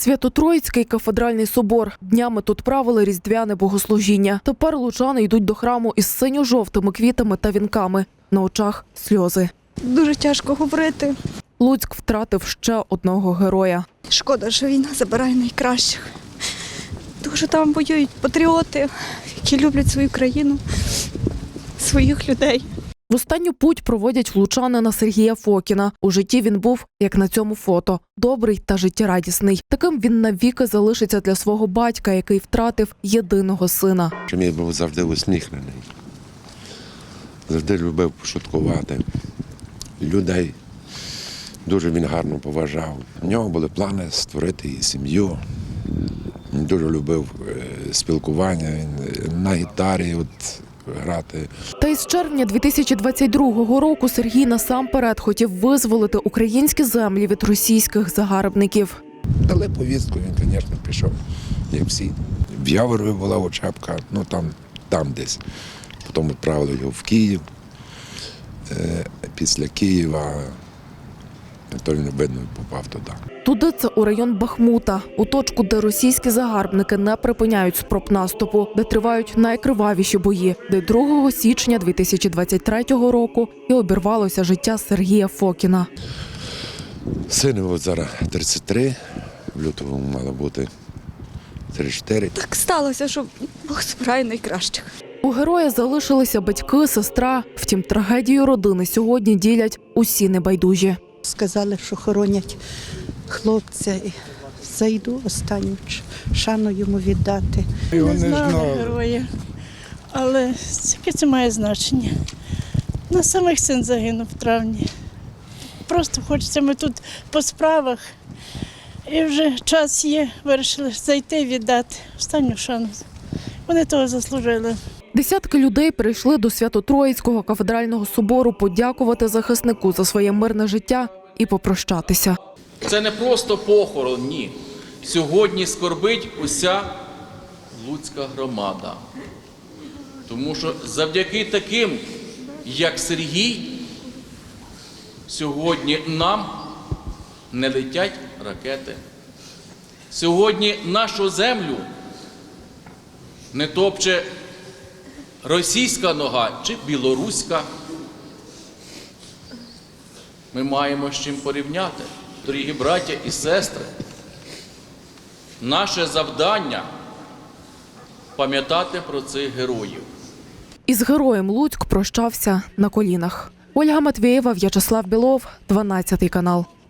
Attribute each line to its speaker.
Speaker 1: Свято-Троїцький кафедральний собор. Днями тут правили різдвяне богослужіння. Тепер лучани йдуть до храму із синьо-жовтими квітами та вінками. На очах сльози.
Speaker 2: Дуже тяжко говорити.
Speaker 1: Луцьк втратив ще одного героя.
Speaker 2: Шкода, що війна забирає найкращих. Тому що там воюють патріоти, які люблять свою країну, своїх людей.
Speaker 1: В останню путь проводять лучанина Сергія Фокіна. У житті він був, як на цьому фото, добрий та життєрадісний. Таким він навіки залишиться для свого батька, який втратив єдиного сина.
Speaker 3: Він був завжди усміхнений, завжди любив пошуткувати. Людей дуже він гарно поважав. У нього були плани створити і сім'ю. Він дуже любив спілкування, він на гітарі грати.
Speaker 1: Та із червня 2022 року Сергій насамперед хотів визволити українські землі від російських загарбників.
Speaker 3: Дали повістку, він, звісно, пішов, як всі. В Яворові була учебка, там десь. Потім відправили його в Київ. Після Києва то він, видно, попав туди.
Speaker 1: Туди це у район Бахмута, у точку, де російські загарбники не припиняють спроб наступу, де тривають найкривавіші бої, де 2 січня 2023 року і обірвалося життя Сергія Фокіна.
Speaker 3: Сину зараз 33, в лютому мало бути 34.
Speaker 2: Так сталося, що Бог збирає найкращих.
Speaker 1: У героя залишилися батьки, сестра. Втім, трагедію родини сьогодні ділять усі небайдужі.
Speaker 4: Сказали, що хоронять хлопця. І зайду останню шану йому віддати.
Speaker 5: Не знали героя, але яке це має значення? На самих син загинув в травні. Просто хочеться, ми тут по справах, і вже час є, вирішили зайти віддати останню шану. Вони того заслужили.
Speaker 1: Десятки людей прийшли до Свято-Троїцького кафедрального собору подякувати захиснику за своє мирне життя і попрощатися.
Speaker 6: Це не просто похорон, ні. Сьогодні скорбить уся Луцька громада. Тому що завдяки таким, як Сергій, сьогодні нам не летять ракети. Сьогодні нашу землю не топче російська нога чи білоруська. Ми маємо з чим порівняти, дорогі браття і сестри. Наше завдання – пам'ятати про цих героїв.
Speaker 1: Із героєм Луцьк прощався на колінах. Ольга Матвєєва, В'ячеслав Білов, 12 канал.